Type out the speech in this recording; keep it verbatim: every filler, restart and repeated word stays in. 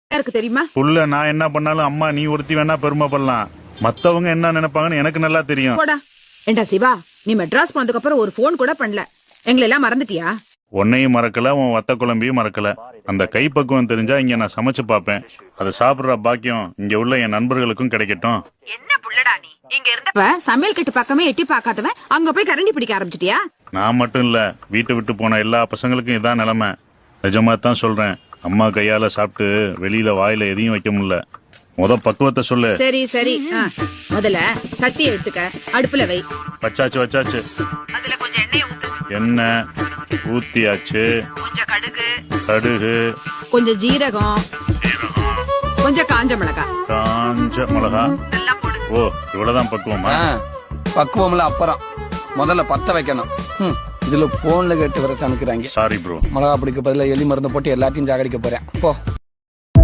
இருக்கு தெரியுமா? புள்ள நான் என்ன பண்ணாலும் அம்மா நீ ஒருத்தி வேணா பெருமைப்படலாம், மத்தவங்க என்ன நினைப்பாங்கன்னு எனக்கு நல்லா தெரியும். போடா. ஏண்டா சிவா, நீ மெட்ராஸ் போனதுக்கு அப்புறம் ஒரு போன் கூட பண்ணல. எங்களை எல்லாம் மறந்துட்டியா? உன்னையும் மறக்கல, உன் வத்த குழம்பையும் மறக்கல. அந்த கைப்பக்குவம் தெரிஞ்சா இங்க நான் சமைச்சு பாப்பேன். அதை சாப்பிடுற பாக்கியம் இங்க உள்ள என் நண்பர்களுக்கும் கிடைக்கட்டும். என்ன புள்ளடா நீ? இங்க இருந்த சமையல் கட்டு பக்கமே எட்டி பார்க்காதவன் அங்க போய் கரண்டி பிடிக்க ஆரம்பிச்சிட்டியா? நான் மட்டும் இல்ல, வீட்டை விட்டு போன எல்லா பசங்களுக்கும் இதான் நிலைமை. நிஜமா தான் சொல்றேன். அம்மா கையால சாப்பிட்டு வெளியில வாயில எதையும் வைக்க முடியல. முத பக்குவத்தை சொல்லு. சரி சரி, முதல்ல சட்டி எடுத்துக்க, அடுப்புல வை. வச்சாச்சு வச்சாச்சு. அதுல கொஞ்சம் எண்ணெய் ஊத்து. எண்ணெய் ஊத்தியாச்சு. கொஞ்சம் கடுகு, கடுகு, கொஞ்சம் ஜீரகம், கொஞ்சம் காஞ்ச மிளகாய். காஞ்ச மிளகா. ஓ, இவ்வளவுதான் பக்குவமா? பக்குவம்ல அப்புறம் முதல்ல பத்த வைக்கணும். இதுல போன்ல கேட்டு வர சமைக்கிறாங்க. Sorry bro. மிளகா பிடிக்க பதில எலி மருந்து போட்டு எல்லாத்தையும் ஜாகடிக்க போறேன் போ.